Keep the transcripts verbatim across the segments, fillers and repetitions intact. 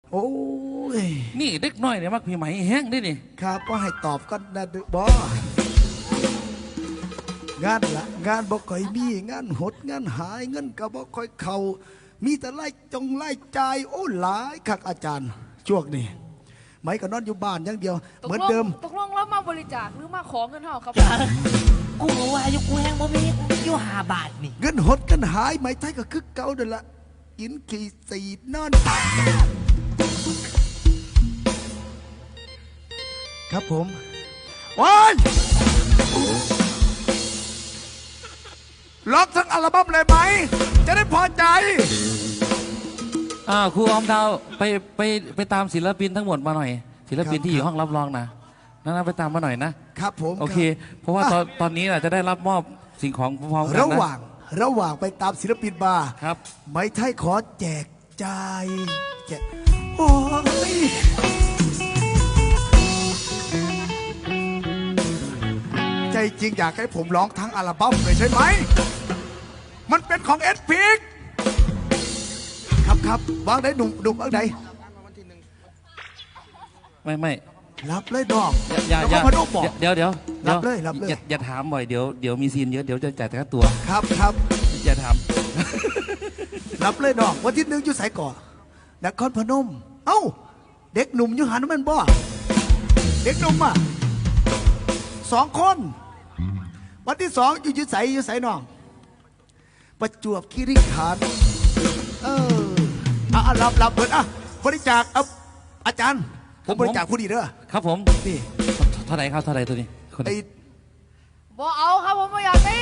โอ้ยนี่เด็กน้อยเนี่ยมักพี่ไหมแห้งได้นี่ครับว่าให้ตอบก็นะบอ งานละงานบ่ค่อยมีงานหดงานหายเงินก็บ่ค่อยเข้ามีแต่ไล่จงไล่จ่ายโอ้หลายคักอาจารย์ช่วงนี้ไม่ก็นอนอยู่บ้านอย่างเดียวเหมือนเดิมตกลงแล้วมาบริจาคหรือมาขอเงินเฮาครับกูว่าอยู่กูแห้งบ่มีอยู่ห้าบาทนี่เงินหดกันหายไม่ไทยก็คือเก่าเดินละกินขี่สีนอนครับผมวันล็อกทั้งอัลบั้มเลยไหมจะได้พอใจอ่าครูออมดาวไปไปไปตามศิลปินทั้งหมดมาหน่อยศิลปินที่อยู่ห้องรับรองนะนั่นไปตามมาหน่อยนะครับผมโอเคเพราะว่าตอนตอนนี้เราจะได้รับมอบสิ่งของพร้อมๆกันนะระหว่างระหว่างไปตามศิลปินมาครับไม่ไทยขอแจกจ่ายแจกโอ้ยใจจริงอยากให้ผมร้องทั้งอัลบั้มเลยใช่ไหมมันเป็นของเอ็ดพิกครับครับวางได้หนุ่มหนุ่มวางได้ไม่ไม่รับเลยดอกอย่าอย่าเดี๋ยวเดี๋ยวรับเลยรับเลยอย่าถามบ่อยเดี๋ยวเดี๋ยวมีซีนเยอะเดี๋ยวจะจ่ายค่าตัวครับครับอย่าถามรับเลยดอกวันที่หนึ่งอยู่สายก่อนครพนมเอ้าเด็กหนุ่มอยู่หันมันบ่เด็กหนุ่มอ่ะสองคนวันที่สองอยู่ยุใสอยู่ใสน้องประจวบคีรีขันธ์เอออ่ะรับรับเปิดอ่ะบริจาคเอาอาจารย์ผมบริจาคผู้ดีเด้อครับผมนี่เท่าไหร่ครับเท่าไหร่ตัวนี้ไอ้บ่เอาครับผมไม่อยากได้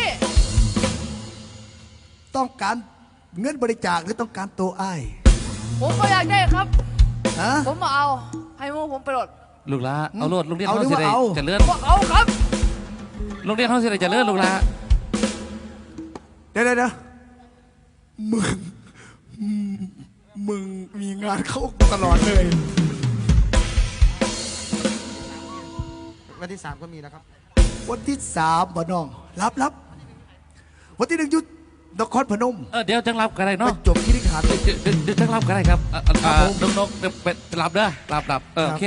ต้องการเงินบริจาคหรือต้องการตัวอ้ายผมไม่อยากได้ครับฮะผมมาเอาให้มูผมไปโหลดลูกละเอาโหลดลูกเรียนเขาสิได้จะเลื่อนเอาครับลูกเรียนเขาสิได้จะเลื่อนลูกละเดี๋ยวเดี๋ยวมึงมึงมีงานเข้าตลอดเลยวันที่สามก็มีนะครับวันที่สามบ่น้องรับรับวันที่หนึ่งยุทธนครพนมเออเดี๋ยวจังรับกันได้เนาะจบคีรีขันธ์เดี๋ยวจังรับกันได้ครับนกนกเป็นรับเด้อรับรับเออโอเค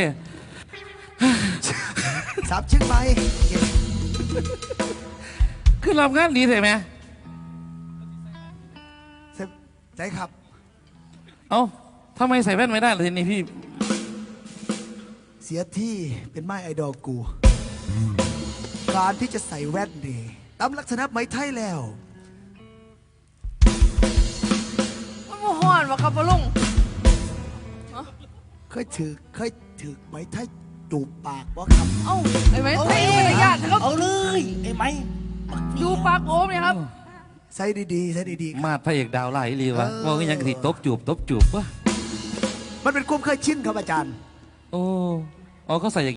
สามชื่อไปคือรับงานดีใช่ไหมใช่ครับเอ้าทำไมใส่แว่นไม่ได้ล่ะทีนี้พี่เสียที่เป็นไม้ไอดอลกูการที่จะใส่แว่นดีตามลักษณะไม้ไทยแล้วมันโมหอนวะครับพ่อลุงเคยถือเคยถือไม้ไทยจูบปากวะครับเอ้าไอ้ไม้ไทยไม่ได้ยากครับเอาเลยไอ้ไม้จูบปากโอมเนี่ยครับใส่ดีๆใส่ดีๆมาพระเอกดาวไล่รีวะว่าก็ยังติดตบจูบตบจูบวะมันเป็นความเคยชินครับอาจารย์โอ้อ๋อเขาใส่